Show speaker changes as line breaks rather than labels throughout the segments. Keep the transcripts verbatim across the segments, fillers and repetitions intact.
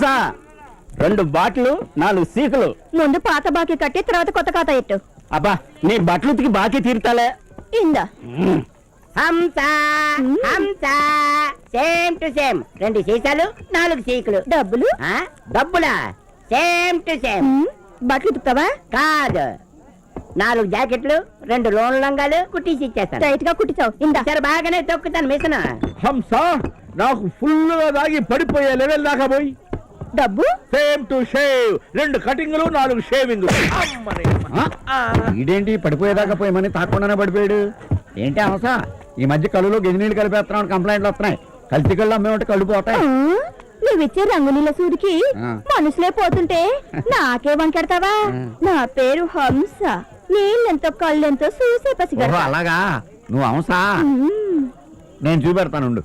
హంస రెండు బాట్లు నాలుగు సీకులు.
ముందు పాత బాకీ కట్టి తర్వాత కొత్త ఖాతా ఎట్టు.
అబ్బా నీ బట్టలు ఉతికి బాకీ తీరుతాలే.
ఇందా
హంస హంస సేమ్ టు సేమ్ రెండు సీసాలు నాలుగు సీకులు.
డబ్బులు
ఆ డబ్బులా సేమ్ టు సేమ్.
బట్టలు ఉతుకుతావా?
కాదు, నాలుగు జాకెట్లు రెండు లోన్ లంగాలు కుట్టిసి ఇచ్చేస్తాను.
టైట్ గా కుట్టించావు. ఇందా
సరే బాగానే తొక్కుతాను మిషన్.
హంస నాకు ఫుల్ గా తాగి పడిపోయే లెవెల్ దాకా పోయి
డబ్బు
సేమ్ టు షేవ్ రెండు కటింగ్లు నాలుగు షేవింగ్. ఇదేంటి పడిపోయేదాకా పోయమని తాకుండానే పడిపోయాడు ఏంటి హంస? ఈ మధ్య కళ్ళులో గెజినీళ్ళు కలిపేస్తున్నావు కంప్లైంట్లు వస్తున్నాయి. కల్తీ కళ్ళు అమ్మేమంటే కళ్ళు పోతాయి.
నువ్విచ్చే రంగు నీళ్ళ సూడికి మనుషులే పోతుంటే నాకే వంకెడతావా? నా పేరు హంస. నీళ్ళెంతో కళ్ళెంతో చూసే పసిగా.
అలాగా నువ్వు హంస? నేను చూపెడతాను.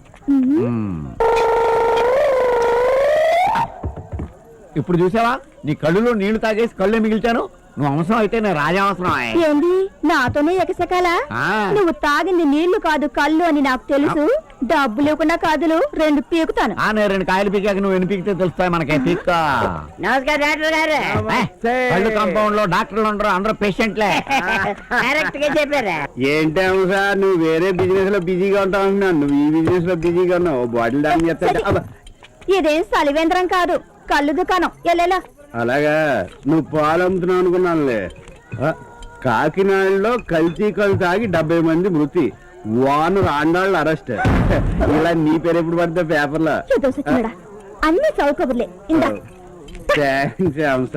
ఇప్పుడు చూసావా నీ కళ్ళులో నీళ్లు తాగేసి కళ్ళే మిగిల్చాను. నువ్వు అవసరం అయితే నేను రాజావసరం.
ఏంది నాతోనే ఎకసెకాలా? నువ్వు తాగింది నీళ్లు కాదు కళ్ళు అని నాకు తెలుసు. డబ్బు లేకుండా కాదులు రెండు పీకుతాను.
నేను రెండు కాయలు పీకాక నువ్వు ఎన్ని పీకితే తెలుస్తాయి మనకి. పీక్క.
నమస్కారం డాక్టర్ గారు.
కళ్ళు కాంపౌండ్ లో డాక్టర్లు ఉండరు, అందరూ పేషెంట్లే.
కరెక్ట్ గా చెప్పారా?
ఏంటి సార్ నువ్వు వేరే బిజినెస్ లో బిజీగా ఉంటావు అంటున్నాను, నువ్వు ఈ బిజినెస్ లో బిజీగా ఉన్నావు. బాటిల్ డాన్స్ చేస్తా.
ఇదేం సలివేంద్రం కాదు, కళ్ళు దుకాణం. ఎల్లెలా
అలాగా నువ్వు పాలు అమ్ముతున్నావు అనుకున్నానులే. కాకినాడలో కల్తీ కళ్ళు తాగి డెబ్బై మంది మృతి, వాను రాండాళ్ళు అరెస్ట్. ఇలా నీ పేరు ఎప్పుడు పడితే పేపర్లో
అన్ని చౌకబుర్లే. ఇందా
థ్యాంక్స్ హంస.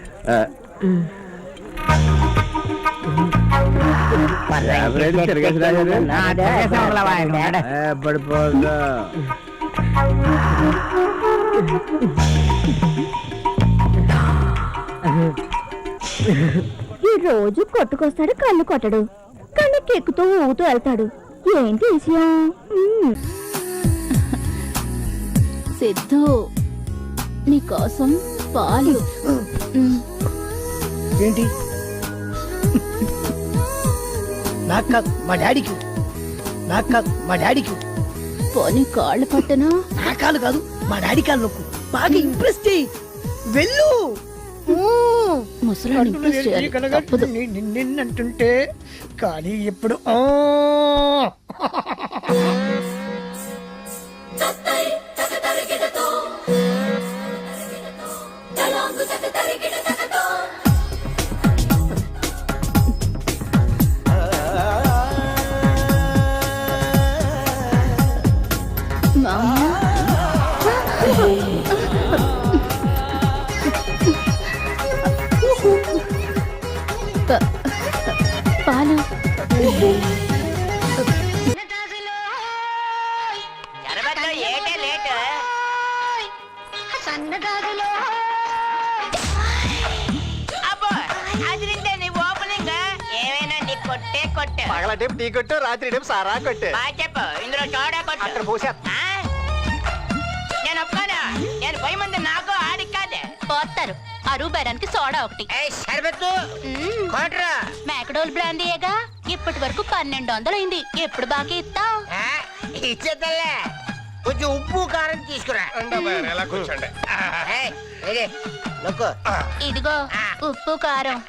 పడిపోగా
ఈ రోజు కొట్టుకొస్తాడు, కళ్ళు కొట్టడు, కళ్ళకి ఎక్కుతూ ఊగుతూ వెళ్తాడు. ఏంటి విషయం?
సిద్ధు నీకోసం పాలు.
ఏంటి? నాకు కాదు మా డాడీకి, నాకు కాదు మా డాడీకి.
పోనీ కాళ్ళు పట్టనా?
నా కాళ్ళు కాదు మా డాడీ కాళ్ళు నొక్కు. బాగా ఇంప్రెస్ చేయి. వెళ్ళు.
ముసలాన్ని ఇంప్రెస్ చేయాలి, తప్పదు.
నిన్నంటుంటే కానీ ఎప్పుడు
పాలు.
పగల టైం టీ కొట్టు, రాత్రి టైం సారా కొట్టు.
చెప్పు ఇందులో చోడా కొట్టు.
అక్కడ పోసే
నేను ఒప్పుకోను. నేను పోయి ముందు నాకు ఆడికి కాదే
పోతారు. అరువు బేరానికి సోడా ఒకటి.
సరిపెత్తు కోట్రా.
మ్యాక్డోల్ బ్రాండీయేగా. ఇప్పటి వరకు పన్నెండు వందలు అయింది. ఎప్పుడు బాకీ ఇస్తావు?
ఇచ్చేద్దలే. కొంచెం ఉప్పు కారం తీసుకురా.
ఎలా కూర్చోండి.
ఇదిగో ఉప్పు కారం.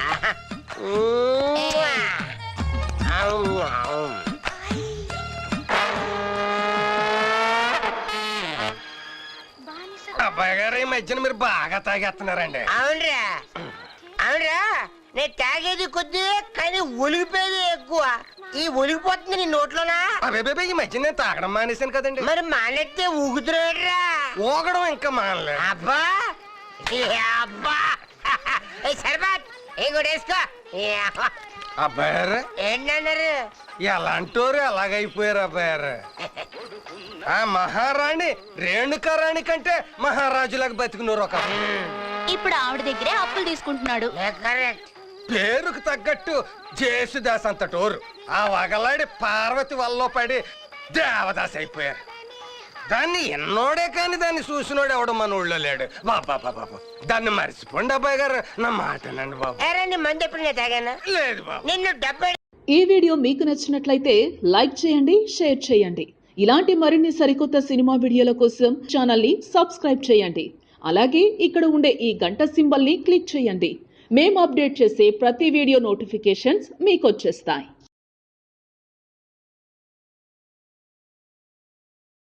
అబ్బాయి గారు ఈ మధ్యన మీరు బాగా తాగేస్తున్నారండి.
అవునరా అవునరా నేను తాగేది కొద్ది కానీ ఒలిగిపోయేది ఎక్కువ. ఈ ఒలిగిపోతుంది నీ నోట్లోనా?
అదే ఈ మధ్య నేను తాగడం మానేశాను కదండి.
మరి మానేస్తే ఊగుతున్నాడురా.
ఊగడం ఇంకా మానలే.
అబ్బా అబ్బా సరిపాట్ ఇంకోటేసుకో.
అబ్బాయారు
ఏంటన్నారు?
ఎలాంటోరు ఎలాగైపోయారు అబ్బాయారు. ఆ మహారాణి రేణుకారాణి కంటే మహారాజులకు బతికినోరు ఒక.
ఇప్పుడు ఆవిడ దగ్గరే అప్పులు తీసుకుంటున్నాడు.
పేరుకు తగ్గట్టు జేసుదాస్ అంతటోరు. ఆ వగలాడి పార్వతి వల్ల పడి దేవదాస్ అయిపోయారు. దాన్ని ఎన్నోడే కాని దాన్ని చూసినోడు ఎవడు మన ఊళ్ళో లేడు. బాబా బాబా దాన్ని మర్చిపోండి అబ్బాయి గారు, నా మాటనండి బాబు.
మంది ఎప్పుడు తాగాను
లేదు బాబు.
నిన్ను డబ్బై.
ఈ వీడియో మీకు నచ్చినట్లయితే లైక్ చేయండి, షేర్ చేయండి. ఇలాంటి మరిన్ని సరికొత్త సినిమా వీడియోల కోసం ఛానల్ ని సబ్స్క్రైబ్ చేయండి. అలాగే ఇక్కడ ఉండే ఈ గంట సింబల్ని క్లిక్ చేయండి. మేము అప్డేట్ చేసే ప్రతి వీడియో నోటిఫికేషన్స్ మీకు వచ్చేస్తాయి.